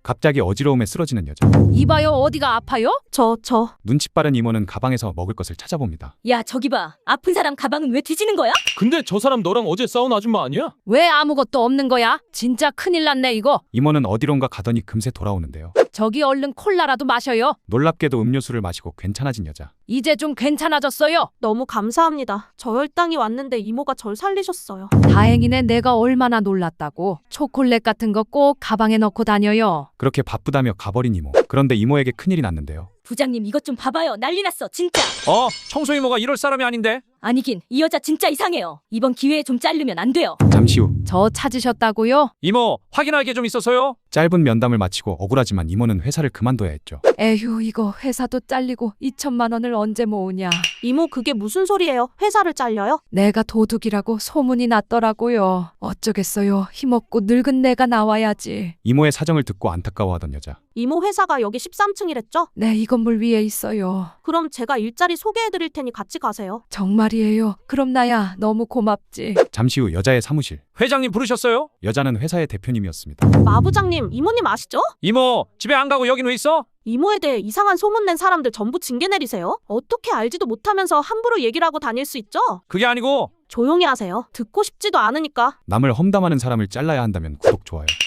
갑자기 어지러움에 쓰러지는 여자. 이봐요, 어디가 아파요? 눈치 빠른 이모는 가방에서 먹을 것을 찾아봅니다. 야, 저기 봐. 아픈 사람 가방은 왜 뒤지는 거야? 근데 저 사람 너랑 어제 싸운 아줌마 아니야? 왜 아무것도 없는 거야? 진짜 큰일 났네 이거. 이모는 어디론가 가더니 금세 돌아오는데요. 저기 얼른 콜라라도 마셔요. 놀랍게도 음료수를 마시고 괜찮아진 여자. 이제 좀 괜찮아졌어요. 너무 감사합니다. 저혈당이 왔는데 이모가 절 살리셨어요. 다행이네. 내가 얼마나 놀랐다고. 초콜릿 같은 거 꼭 가방에 넣고 다녀요. 그렇게 바쁘다며 가버린 이모. 그런데 이모에게 큰일이 났는데요. 부장님, 이것 좀 봐봐요. 난리 났어, 진짜. 청소 이모가 이럴 사람이 아닌데? 아니긴, 이 여자 진짜 이상해요. 이번 기회에 좀 자르면 안 돼요. 잠시 후 저 찾으셨다고요? 이모, 확인할 게 좀 있어서요? 짧은 면담을 마치고 억울하지만 이모는 회사를 그만둬야 했죠. 에휴, 이거 회사도 잘리고 2천만 원을 언제 모으냐. 이모 그게 무슨 소리예요? 회사를 잘려요? 내가 도둑이라고 소문이 났더라고요. 어쩌겠어요. 힘없고 늙은 내가 나와야지. 이모의 사정을 듣고 안타까워하던 여자. 이모 회사가 여기 13층이랬죠? 네, 이 건물 위에 있어요. 그럼 제가 일자리 소개해드릴 테니 같이 가세요. 정말이에요. 그럼 나야 너무 고맙지. 잠시 후 여자의 사무실. 회장님 부르셨어요? 여자는 회사의 대표님이었습니다. 마부장님, 이모님 아시죠? 이모, 집에 안 가고 여긴 왜 있어? 이모에 대해 이상한 소문 낸 사람들 전부 징계 내리세요. 어떻게 알지도 못하면서 함부로 얘기를 하고 다닐 수 있죠? 그게 아니고 조용히 하세요. 듣고 싶지도 않으니까. 남을 험담하는 사람을 잘라야 한다면 구독, 좋아요.